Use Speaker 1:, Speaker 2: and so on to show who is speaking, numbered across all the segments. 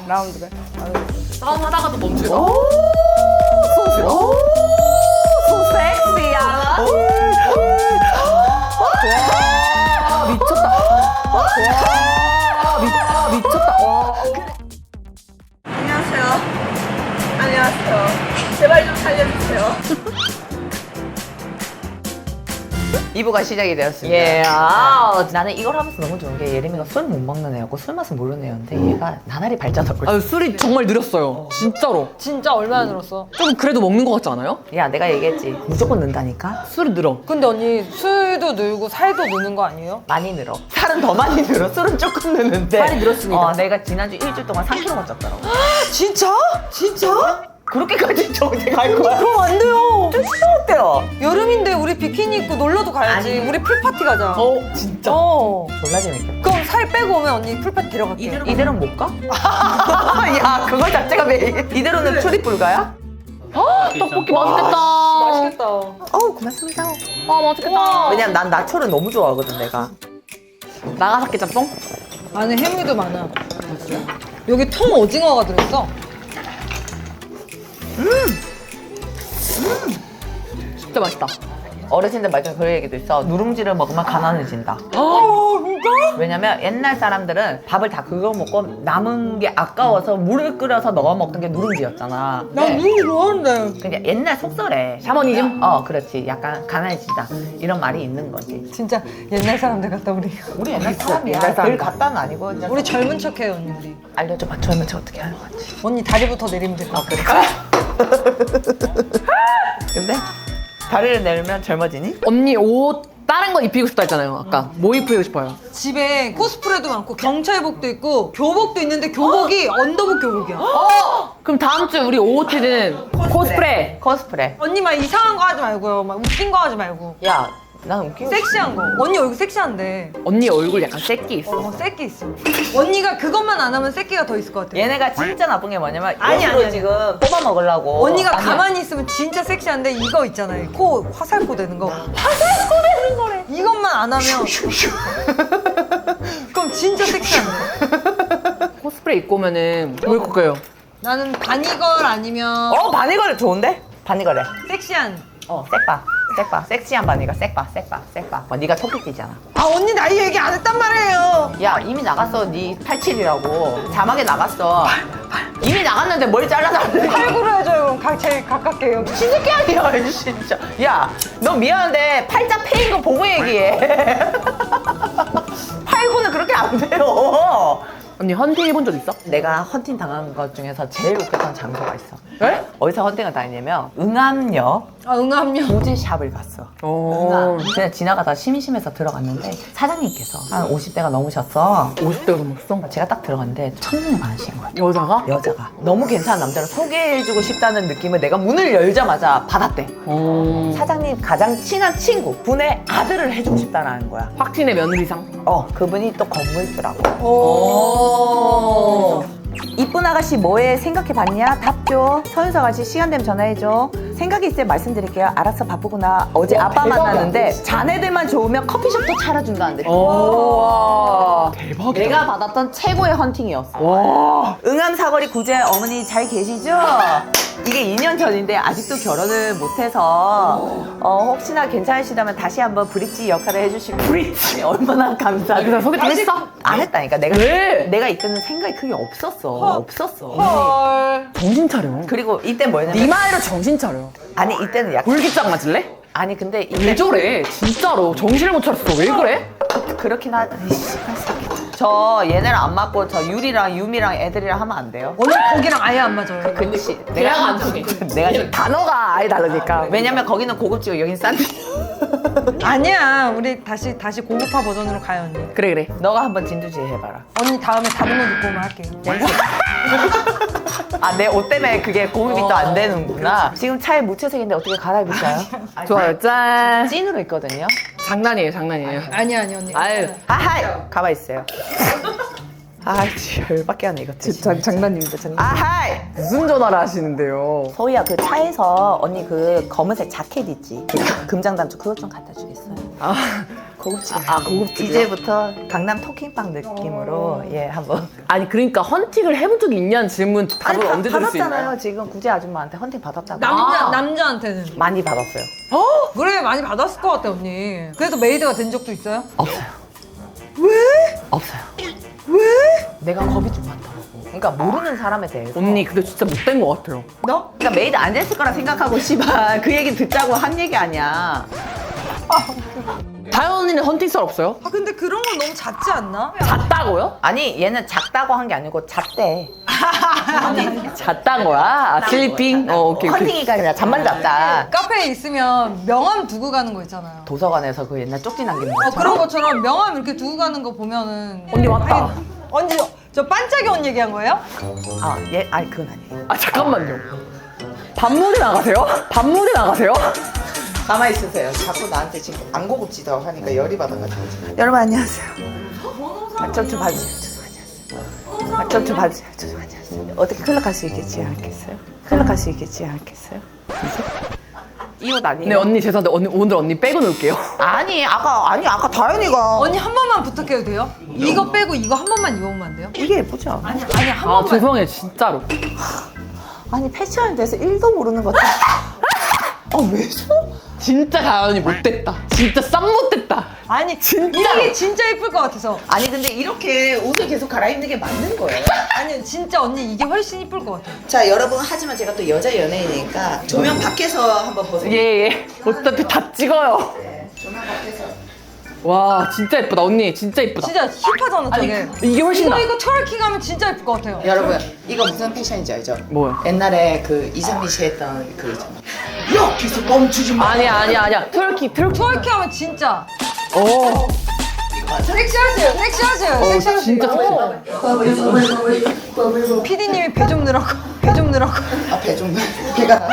Speaker 1: 라운드가.
Speaker 2: 싸움하다가도 멈추고.
Speaker 1: 오, 소 섹시하다. 와, 미쳤다. 와, 미쳤다. 와.
Speaker 3: 안녕하세요. 안녕하세요. 제발 좀 살려주세요.
Speaker 1: 2부가 시작이 되었습니다.
Speaker 2: 예.
Speaker 1: 나는 이걸 하면서 너무 좋은 게 예림이가 술 못 먹는 애였고 술 맛은 모르는 애였는데 얘가 나날이 발전하고 있어.
Speaker 2: 아유, 술이 정말 느렸어요. 진짜로.
Speaker 4: 진짜 얼마나 늘었어?
Speaker 2: 좀 그래도 먹는 것 같지 않아요?
Speaker 1: 야, 내가 얘기했지. 무조건 는다니까?
Speaker 2: 술이 늘어.
Speaker 4: 근데 언니 술도 늘고 살도 느는 거 아니에요?
Speaker 1: 많이 늘어. 살은 더 많이 늘어. 술은 조금 느는데.
Speaker 2: 살이 늘었습니다.
Speaker 1: 내가 지난주 일주일 동안 3kg가 쪘더라고.
Speaker 4: 진짜? 진짜?
Speaker 1: 그렇게까지 저기 갈 거야?
Speaker 4: 그럼 안 돼요.
Speaker 1: 진짜 어때요?
Speaker 4: 여름인데 우리 비키니 입고 놀러도 가야지.
Speaker 1: 아니.
Speaker 4: 우리 풀파티 가자.
Speaker 1: 진짜?
Speaker 4: 어.
Speaker 1: 졸라 재밌겠다.
Speaker 4: 그럼 살 빼고 오면 언니 풀파티 데려갈게.
Speaker 1: 이대로는 못 가? 야, 그거 자체가 매일. 이대로는 출입 불가야?
Speaker 2: 떡볶이 맛있겠다.
Speaker 4: 맛있겠다.
Speaker 1: 고맙습니다.
Speaker 2: 아, 맛있겠다.
Speaker 1: 왜냐면 난 나초를 너무 좋아하거든, 내가.
Speaker 2: 나가사키 짬뽕?
Speaker 4: 안에 해물도 많아. 여기 통 오징어가 들어있어.
Speaker 2: 진짜 맛있다.
Speaker 1: 어르신들 말 중에 그런 얘기도 있어. 누룽지를 먹으면 가난해진다.
Speaker 4: 진짜?
Speaker 1: 왜냐면 옛날 사람들은 밥을 다 그거 먹고 남은 게 아까워서 물을 끓여서 넣어 먹던 게 누룽지였잖아.
Speaker 4: 난 누룽지 좋아하는데.
Speaker 1: 그냥 옛날 속설에
Speaker 2: 샤머니즘?
Speaker 1: 그렇지. 약간 가난해진다. 이런 말이 있는 거지.
Speaker 4: 진짜 옛날 사람들 같다 우리.
Speaker 1: 우리 옛날 사람이야.
Speaker 2: 옛날 사람.
Speaker 1: 늘 갔다는 아니고. 그냥
Speaker 4: 우리 젊은 척해요 언니 우리.
Speaker 1: 알려줘봐. 젊은 척 어떻게 하는 건지.
Speaker 4: 언니 다리부터 내리면 될 것 같아.
Speaker 1: 근데 다리를 내리면 젊어지니?
Speaker 2: 언니 옷 다른 거 입히고 싶다 했잖아요. 아까. 뭐 입히고 싶어요?
Speaker 4: 집에 코스프레도 많고 경찰복도 있고 교복도 있는데 교복이 언더복 교복이야.
Speaker 2: 그럼 다음 주에 우리 OOT는 코스프레.
Speaker 1: 코스프레.
Speaker 4: 언니 막 이상한 거 하지 말고요. 막 웃긴 거 하지 말고.
Speaker 1: 야, 난 웃기고
Speaker 4: 섹시한 거. 언니 얼굴 섹시한데.
Speaker 2: 언니 얼굴 약간 새끼 있어.
Speaker 4: 새끼 있어. 언니가 그것만 안 하면 새끼가 더 있을 것 같아.
Speaker 1: 얘네가 진짜 나쁜 게 뭐냐면
Speaker 4: 아니,
Speaker 1: 옆으로
Speaker 4: 아니.
Speaker 1: 지금 뽑아 먹으려고.
Speaker 4: 언니가
Speaker 1: 아니야.
Speaker 4: 가만히 있으면 진짜 섹시한데 이거 있잖아요. 코 화살코 되는 거. 화살코 되는 거래. 이것만 안 하면 그럼 진짜 섹시한데.
Speaker 2: 코스프레 입고 오면은 뭐 입고 올까요?
Speaker 4: 나는 바니걸 아니면
Speaker 1: 바니걸 좋은데? 바니걸해.
Speaker 4: 섹시한.
Speaker 1: 섹바. 섹시한 바니걸. 섹바. 네가 토끼띠잖아.
Speaker 4: 아 언니 나이 얘기 안 했단 말이에요.
Speaker 1: 야, 이미 나갔어. 네 87이라고. 자막에 나갔어. 이미 나갔는데 머리 잘라놨는데.
Speaker 4: 팔구로 해줘요. 그럼 제일 가깝게 여기.
Speaker 1: 신새끼 아니야, 진짜. 야, 너 미안한데 팔자 패인 거 보고 얘기해. 팔구는 그렇게 안 돼요.
Speaker 2: 언니 헌팅 해본 적 있어?
Speaker 1: 내가 헌팅 당한 것 중에서 제일 웃겼던 장소가 있어.
Speaker 2: 네?
Speaker 1: 어디서 헌팅을 다니냐면 응암역
Speaker 4: 아 응암요.
Speaker 1: 보지샵을 갔어.
Speaker 2: 어.
Speaker 1: 그냥 지나가다 심심해서 들어갔는데 사장님께서 한 50대가 넘으셨어.
Speaker 2: 50대가 넘었어?
Speaker 1: 제가 딱 들어갔는데 첫눈에 반하신 거야.
Speaker 2: 여자가?
Speaker 1: 여자가 너무 괜찮은 남자를 소개해주고 싶다는 느낌을 내가 문을 열자마자 받았대.
Speaker 2: 어.
Speaker 1: 사장님 가장 친한 친구 분의 아들을 해주고 싶다는 거야.
Speaker 2: 확신의 며느리상?
Speaker 1: 그분이 또 건물주라고.
Speaker 2: 오.
Speaker 1: 이쁜 아가씨 뭐해? 생각해봤냐? 답 줘. 서윤서 아가씨 시간 되면 전화해줘. 생각이 있으면 말씀드릴게요. 알았어, 바쁘구나. 어제 아빠
Speaker 2: 대박이야.
Speaker 1: 만났는데 자네들만 좋으면 커피숍도 차려준다는데.
Speaker 2: 오. 대박이다.
Speaker 1: 내가 받았던 최고의 헌팅이었어.
Speaker 2: 와.
Speaker 1: 응암 사거리 구제 어머니 잘 계시죠? 이게 2년 전인데 아직도 결혼을 못해서 혹시나 괜찮으시다면 다시 한번 브릿지 역할을 해주시면 브릿지 얼마나 감사해.
Speaker 2: 그래서 소개팅 했어?
Speaker 1: 안 했다니까.
Speaker 2: 왜?
Speaker 1: 내가 이때는 생각이 크게 없었어.
Speaker 4: 헐.
Speaker 2: 정신 차려.
Speaker 1: 그리고 이때 뭐였냐면
Speaker 2: 네 말로 정신 차려.
Speaker 1: 아니 이때는 약간
Speaker 2: 불기장 맞을래?
Speaker 1: 아니 근데 이때
Speaker 2: 왜 저래? 진짜로 정신을 못 차렸어. 왜 그래?
Speaker 1: 그렇긴 하다. 저 얘네랑 안 맞고 저 유리랑 유미랑 애들이랑 하면 안 돼요?
Speaker 4: 언니 거기랑 아예 안 맞아요.
Speaker 1: 근데
Speaker 2: 대화가 안 통해.
Speaker 1: 내가 지금
Speaker 2: 단어가 아예 다르니까.
Speaker 1: 왜냐면 거기는 고급지고 여긴 싼데.
Speaker 4: 아니야. 우리 다시 고급화 버전으로 가요 언니.
Speaker 2: 그래.
Speaker 1: 너가 한번 진두지휘 해봐라.
Speaker 4: 언니 다음에 다른 옷 입고 오면 할게요.
Speaker 1: 내 옷 때문에 그게 고급이 또 안 되는구나. 지금 차에 무채색인데 어떻게 갈아입을까요?
Speaker 2: 좋아요. 짠.
Speaker 1: 찐으로 있거든요.
Speaker 2: 장난이에요.
Speaker 4: 아니야 언니.
Speaker 2: 아유.
Speaker 1: 아하이! 가만 있어요. 아이, 열받게 하네, 이것들.
Speaker 2: 장난입니다.
Speaker 1: 아하이!
Speaker 2: 무슨 전화를 하시는데요?
Speaker 1: 서희야, 그 차에서 언니 그 검은색 자켓 있지? 그 금장 단추 그것 좀 갖다 주겠어요?
Speaker 2: 아,
Speaker 1: 고급지게.
Speaker 2: 고급지게.
Speaker 1: 이제부터 강남 토킹빵 느낌으로 예 한번.
Speaker 2: 아니 그러니까 헌팅을 해본 적이 있냐는 질문 답을
Speaker 1: 아니,
Speaker 2: 언제 들을 수 있나요?
Speaker 1: 받았잖아요. 지금 구제 아줌마한테 헌팅 받았다고.
Speaker 4: 남자한테는.
Speaker 1: 많이 받았어요.
Speaker 4: 그래, 많이 받았을 것 같아, 언니. 그래서 메이드가 된 적도 있어요?
Speaker 1: 없어요.
Speaker 4: 왜?
Speaker 1: 없어요.
Speaker 4: 왜?
Speaker 1: 내가 겁이 좀 많더라고. 그러니까 모르는 사람에 대해서.
Speaker 2: 언니 근데 진짜 못된 것 같아요.
Speaker 4: 너?
Speaker 1: 그러니까 메이드 안 됐을 거라 생각하고 씨발 그 얘기 듣자고 한 얘기 아니야.
Speaker 2: 다현 언니는 헌팅 썰 없어요?
Speaker 4: 아, 근데 그런 건 너무 잦지 않나?
Speaker 2: 잤다고요?
Speaker 1: 아니 얘는 작다고 한 게 아니고 잤대.
Speaker 2: 잤단 거야? 아, 슬리핑? 오케이.
Speaker 1: 헌팅이가 아니라 잠만 잤다.
Speaker 4: 카페에 있으면 명함 두고 가는 거 있잖아요.
Speaker 1: 도서관에서 그 옛날 쪽지 남기는 거.
Speaker 4: 그런 것처럼 명함 이렇게 두고 가는 거 보면은.
Speaker 2: 언니 왔다.
Speaker 4: 언니, 저 반짝이 언니 얘기한 거예요?
Speaker 1: 아니 그건 아니에요.
Speaker 2: 아 잠깐만요. 밤무대 나가세요? 밤무대 나가세요?
Speaker 1: 가만히 있으세요. 자꾸 나한테 지금 안 고급지다고 하니까 열이 받아가지고. 여러분 안녕하세요. 좀 봐주세요. 좀 봐주세요. 안녕하세요. 어떻게 클럽 갈 수 있겠지 않겠어요? 클럽 갈 수 있겠지 않겠어요? 이 옷 아니에요?
Speaker 2: 네 언니 죄송한데 오늘 언니 빼고 놀게요.
Speaker 1: 아니 아까 다현이가
Speaker 4: 언니 한 번만 부탁해도 돼요? 이거 빼고 이거 한 번만 입어보면 안 돼요?
Speaker 1: 이게 예쁘죠?
Speaker 4: 한
Speaker 2: 아
Speaker 4: 번만.
Speaker 2: 죄송해요 진짜로.
Speaker 1: 아니 패션에 대해서 1도 모르는 것 같아. 왜 저?
Speaker 2: 진짜 다현이 못됐다. 진짜 쌈 못됐다.
Speaker 4: 아니,
Speaker 2: 진짜로.
Speaker 4: 이게 진짜 예쁠 것 같아서.
Speaker 1: 아니 근데 이렇게 옷을 계속 갈아입는 게 맞는 거예요?
Speaker 4: 아니, 진짜 언니 이게 훨씬 예쁠 것 같아요.
Speaker 1: 자 여러분 하지만 제가 또 여자 연예인이니까 조명 밖에서 한번 보세요.
Speaker 2: 예. 어차피 다 찍어요.
Speaker 1: 조명 밖에서.
Speaker 2: 와 진짜 예쁘다 언니 진짜 예쁘다.
Speaker 4: 진짜 힙하잖아, 저게.
Speaker 2: 이게 훨씬 나.
Speaker 4: 이거 트월킹 하면 진짜 예쁠 것 같아요.
Speaker 1: 여러분 이거 무슨 패션인지 알죠?
Speaker 2: 뭐요?
Speaker 1: 옛날에 그 이상민 씨 했던 그 있잖아. 야 계속 멈추지 마.
Speaker 2: 아니야. 트월킹.
Speaker 4: 트월킹 하면 진짜.
Speaker 2: 오.
Speaker 4: 섹시하세요.
Speaker 2: 진짜
Speaker 4: PD님이 배 좀 넣으라고.
Speaker 1: 앞에 좀 배가.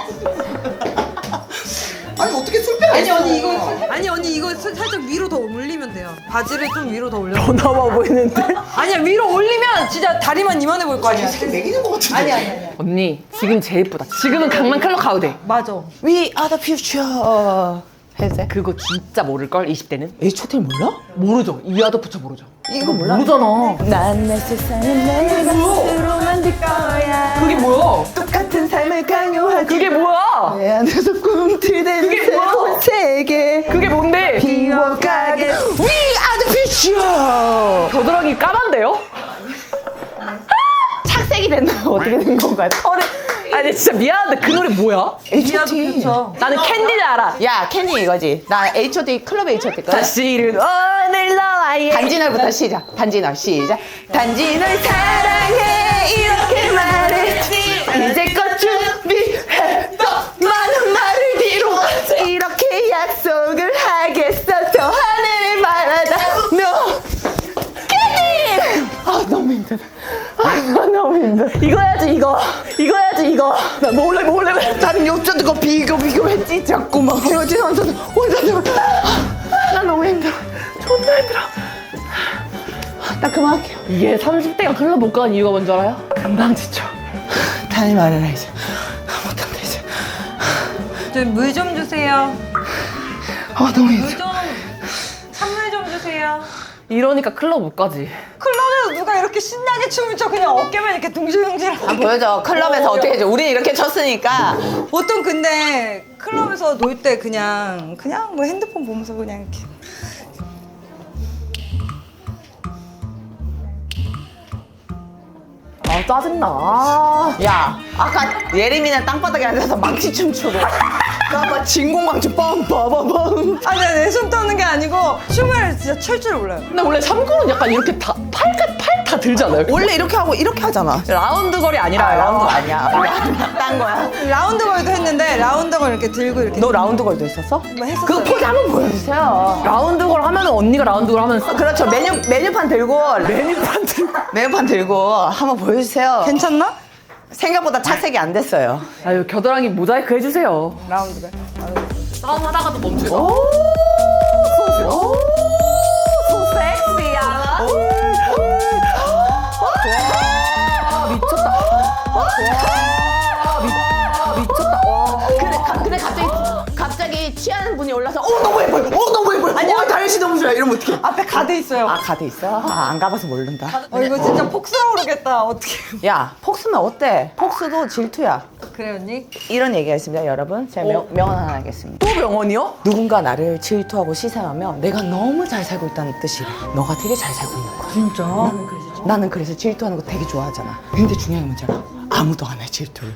Speaker 1: 아니 어떻게 술배?
Speaker 4: 아니, 언니 이거 살짝 위로 더 올리면 돼요. 바지를 좀 위로 더 올려.
Speaker 2: 더 나와 보이는데?
Speaker 4: 아니야, 위로 올리면 진짜 다리만 이만해 보일 거 아니야.
Speaker 1: 이렇게 매기는 것 같은데.
Speaker 4: 아니야.
Speaker 2: 언니 지금 제일 예쁘다. 지금은 강남 클럽 가도 돼.
Speaker 4: 맞아.
Speaker 1: We are the future. 해도 돼?
Speaker 2: 그거 진짜 모를걸 20대는?
Speaker 1: H.O.T 몰라?
Speaker 2: 모르죠. 이하도 붙여 모르죠.
Speaker 1: 이거 몰라?
Speaker 2: 모르잖아.
Speaker 1: 난 내 세상을 내 맘으로 만들 거야.
Speaker 2: 그게 뭐야?
Speaker 1: 똑같은 삶을 강요하지.
Speaker 2: 그게 뭐야?
Speaker 1: 내 안에서 꿈틀대는
Speaker 2: 그게
Speaker 1: 새로운
Speaker 2: 뭐야?
Speaker 1: 세계.
Speaker 2: 그게 뭔데?
Speaker 1: 비워가게. We are the future.
Speaker 2: 겨드랑이 까만데요?
Speaker 1: 착색이 됐나? 어떻게 된 건가요?
Speaker 2: 아니 진짜 미안한데 그 노래 뭐야?
Speaker 1: H.O.T.
Speaker 2: 나는 캔디를 알아.
Speaker 1: 야 캔디 이거지. 나 H.O.T. 클럽 H.O.T. 거야.
Speaker 2: 사실은 오늘 너와의
Speaker 1: 단지널부터 시작. 단지널 시작. 단지 널 사랑해 이렇게 말했지. 이제껏 준비했던 많은 말을 뒤로 이렇게 약속을 하겠어. 저 하늘을 바라다 너 캔디. 너무 힘들어. 너무 힘들어.
Speaker 2: 이거 해야지 이거 나 몰래
Speaker 1: 다른 욕조도 거 비교했지 자꾸 막 헤어지면서 혼자 나 너무 힘들어. 존나 힘들어. 나 그만할게요.
Speaker 2: 이게 30대가 클럽 못 가는 이유가 뭔지 알아요? 금방 지쳐.
Speaker 1: 다니 말해라 이제. 못한다 이제.
Speaker 4: 물 좀 주세요.
Speaker 1: 너무 힘들어.
Speaker 4: 선물 좀 주세요.
Speaker 2: 이러니까 클럽 못 가지.
Speaker 4: 클럽에서 누가 이렇게 신나게 춤을 춰 그냥 어깨만 이렇게 둥실둥실.
Speaker 1: 보여줘. 클럽에서 어떻게 해줘. 우린 이렇게 쳤으니까.
Speaker 4: 보통 근데 클럽에서 놀 때 그냥 뭐 핸드폰 보면서 그냥 이렇게.
Speaker 2: 아 짜증나.
Speaker 1: 야 아까 예림이는 땅바닥에 앉아서 망치 춤추고 나 진공망치 빰빠바밤.
Speaker 4: 아, 내가 내 손 떠는 게 아니고 춤을 진짜 출 줄 몰라요.
Speaker 2: 근데 원래 참고는 약간 이렇게 다 팔 다 들지 않아요?
Speaker 1: 원래 이렇게 하고 이렇게 하잖아.
Speaker 2: 라운드 거리 아니라
Speaker 1: 라운드 아니야. 딴 거야.
Speaker 4: 라운드 걸도 했는데 라운드 걸 이렇게 들고 이렇게.
Speaker 1: 너 라운드 걸도 했었어?
Speaker 4: 뭐 했었어요.
Speaker 1: 그 포즈 한번 보여주세요.
Speaker 2: 라운드 걸 하면 언니가 라운드 걸 하면
Speaker 1: 그렇죠. 메뉴판 들고 메뉴판 들고 한번 보여주세요.
Speaker 4: 괜찮나?
Speaker 1: 생각보다 착색이 안 됐어요.
Speaker 2: 아유 겨드랑이 모자이크 해주세요.
Speaker 4: 라운드 걸.
Speaker 2: 싸움 하다가도 멈추다.
Speaker 1: 오, 소 섹시하다.
Speaker 2: 미쳤다. 미쳤다. 와.
Speaker 1: 근데 갑자기 취하는 분이 올라서 너무 예뻐요. 너무 예뻐요. 아니야 다현 날씨 너무 좋아. 이러면 어떡해?
Speaker 4: 앞에 가드 있어요.
Speaker 1: 아, 가드 있어? 아, 안 가봐서 모른다.
Speaker 4: 이거 진짜 폭스라 그러겠다. 어떻게?
Speaker 1: 야, 폭스는 어때? 폭스도 질투야.
Speaker 4: 그래 언니?
Speaker 1: 이런 얘기가 있습니다, 여러분. 제가 명언 하나 하겠습니다. 또 명언이요? 누군가 나를 질투하고 시샘하면 내가 너무 잘 살고 있다는 뜻이래. 너가 되게 잘 살고 있는 거야.
Speaker 4: 진짜?
Speaker 1: 나는 그래서 질투하는 거 되게 좋아하잖아. 근데 중요한 건 뭐잖아. 아무도 안 해, 질투를.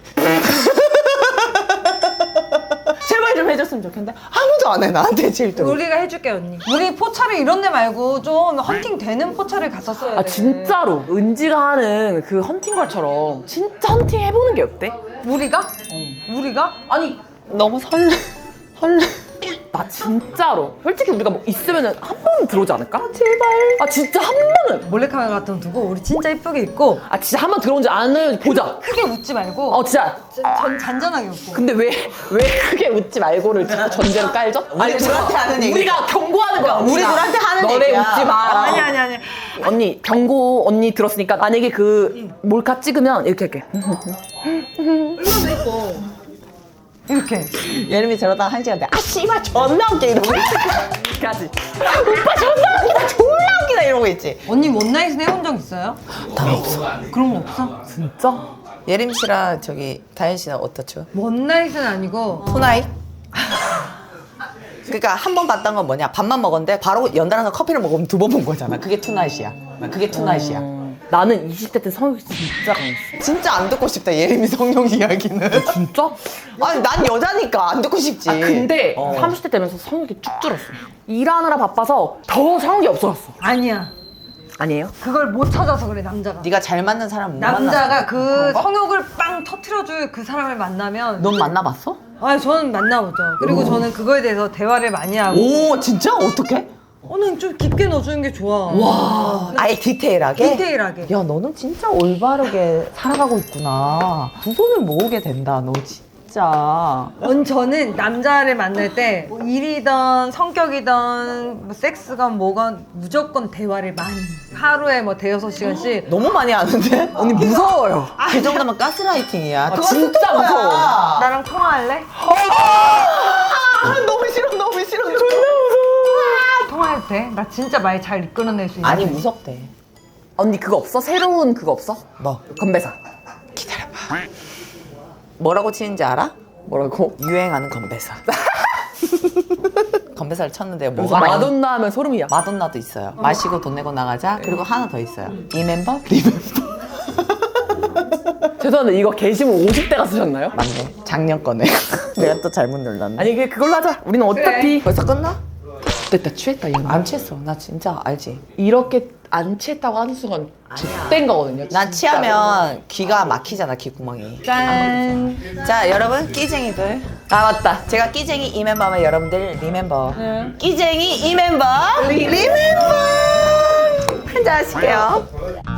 Speaker 1: 제발 좀 해줬으면 좋겠는데 아무도 안 해, 나한테 질투를.
Speaker 4: 우리가 해줄게 언니. 우리 포차를 이런 데 말고 좀 헌팅 되는 포차를 갔었어야 돼.
Speaker 2: 아 진짜로 은지가 하는 그 헌팅걸처럼 진짜 헌팅 해보는 게 어때?
Speaker 4: 우리가? 우리가?
Speaker 2: 아니 너무 설레. 나 진짜로 솔직히 우리가 뭐 있으면은 한 번은 들어오지 않을까? 제발. 아 진짜 한 번은.
Speaker 4: 몰래카메라 같은 거 두고 우리 진짜 이쁘게 입고
Speaker 2: 아 진짜 한 번 들어온지 않으면 보자.
Speaker 4: 크게 웃지 말고
Speaker 2: 진짜.
Speaker 4: 잔잔하게 웃고.
Speaker 2: 근데 왜 크게 웃지 말고를 전제로 깔죠?
Speaker 1: 우리 둘한테 하는 얘기야.
Speaker 2: 우리가 경고하는 거야.
Speaker 1: 우리 둘한테 하는
Speaker 2: 너네
Speaker 1: 얘기야.
Speaker 2: 웃지 마.
Speaker 4: 아니.
Speaker 2: 언니 경고 언니 들었으니까 만약에 그 몰카 찍으면 이렇게 할게.
Speaker 4: 이렇게.
Speaker 1: 예림이 저러다가 한 시간 돼. 아, 씨발, 존나 웃겨. 이러고
Speaker 2: 이렇게 하지.
Speaker 1: 오빠 존나 웃기다. 이러고 있지.
Speaker 4: 언니 원나잇은 해본 적 있어요?
Speaker 1: 난 없어.
Speaker 4: 그런 거 없어?
Speaker 2: 진짜?
Speaker 1: 예림 씨랑 저기 다현 씨는 어떻죠?
Speaker 4: 원나잇은 아니고
Speaker 1: 투나잇? 그러니까 한 번 봤던 건 뭐냐? 밥만 먹었는데 바로 연달아서 커피를 먹으면 두 번 본 거잖아. 그게 투나잇이야. 그게 투나잇이야.
Speaker 2: 나는 20대 때 성욕이 진짜 강했어.
Speaker 1: 진짜 안 듣고 싶다. 예림이 성룡 이야기는.
Speaker 2: 진짜?
Speaker 1: 아니 난 여자니까 안 듣고 싶지.
Speaker 2: 근데
Speaker 1: 어.
Speaker 2: 30대 되면서 성욕이 쭉 줄었어. 일하느라 바빠서 더 성욕이 없어졌어.
Speaker 4: 아니야.
Speaker 2: 아니에요?
Speaker 4: 그걸 못 찾아서 그래 남자가.
Speaker 1: 네가 잘 맞는 사람 못 만났어.
Speaker 4: 남자가 그 성욕을 빵 터트려줄 그 사람을 만나면
Speaker 1: 넌 만나봤어?
Speaker 4: 아니 저는 만나보죠. 그리고 저는 그거에 대해서 대화를 많이 하고
Speaker 1: 오 진짜? 어떻게?
Speaker 4: 는 좀 깊게 넣어주는 게 좋아.
Speaker 1: 와 아예 디테일하게?
Speaker 4: 디테일하게.
Speaker 1: 야 너는 진짜 올바르게 살아가고 있구나. 두 손을 모으게 된다 너 진짜.
Speaker 4: 저는 남자를 만날 때뭐 일이든 성격이든 뭐 섹스건 뭐건 무조건 대화를 많이 하루에 뭐 대여섯 시간씩
Speaker 1: 너무 많이 하는데? 언니 무서워요. 그 정도면 가스라이팅이야. 그거
Speaker 2: 진짜
Speaker 1: 스토커야.
Speaker 2: 무서워.
Speaker 4: 나랑 통화할래?
Speaker 1: 너무 싫어 너무 싫어.
Speaker 4: 통화해도 돼? 나 진짜 말 잘 이끌어낼 수 있는
Speaker 1: 아니 무섭대.
Speaker 2: 언니 그거 없어? 새로운 그거 없어?
Speaker 1: 뭐?
Speaker 2: 건배사.
Speaker 1: 기다려봐. 뭐라고 치는지 알아?
Speaker 2: 뭐라고?
Speaker 1: 유행하는 건배사. 건배사를 쳤는데
Speaker 2: 그래서
Speaker 1: 뭐가
Speaker 2: 마돈나 하면 소름이야.
Speaker 1: 마돈나도 있어요. 마시고 돈 내고 나가자. 그리고 하나 더 있어요. 리멤버? 리멤버.
Speaker 2: 죄송한데 이거 게시물 50대가 쓰셨나요?
Speaker 1: 맞네. 작년 거네. 내가 또 잘못 눌렀네.
Speaker 2: 아니 그걸로 하자. 우리는 어차피
Speaker 1: 벌써 끝나?
Speaker 2: 됐다 취했다 이거.
Speaker 1: 안 취했어. 나 진짜 알지.
Speaker 2: 이렇게 안 취했다고 하는 순간 X된 거거든요.
Speaker 1: 난
Speaker 2: 진짜로.
Speaker 1: 취하면 귀가 막히잖아, 귀구멍이.
Speaker 2: 짠.
Speaker 1: 자, 여러분, 끼쟁이들.
Speaker 2: 아 맞다.
Speaker 1: 제가 끼쟁이 이 멤버면 여러분들 리멤버. 끼쟁이 이 멤버. 리멤버. 한잔 하실게요.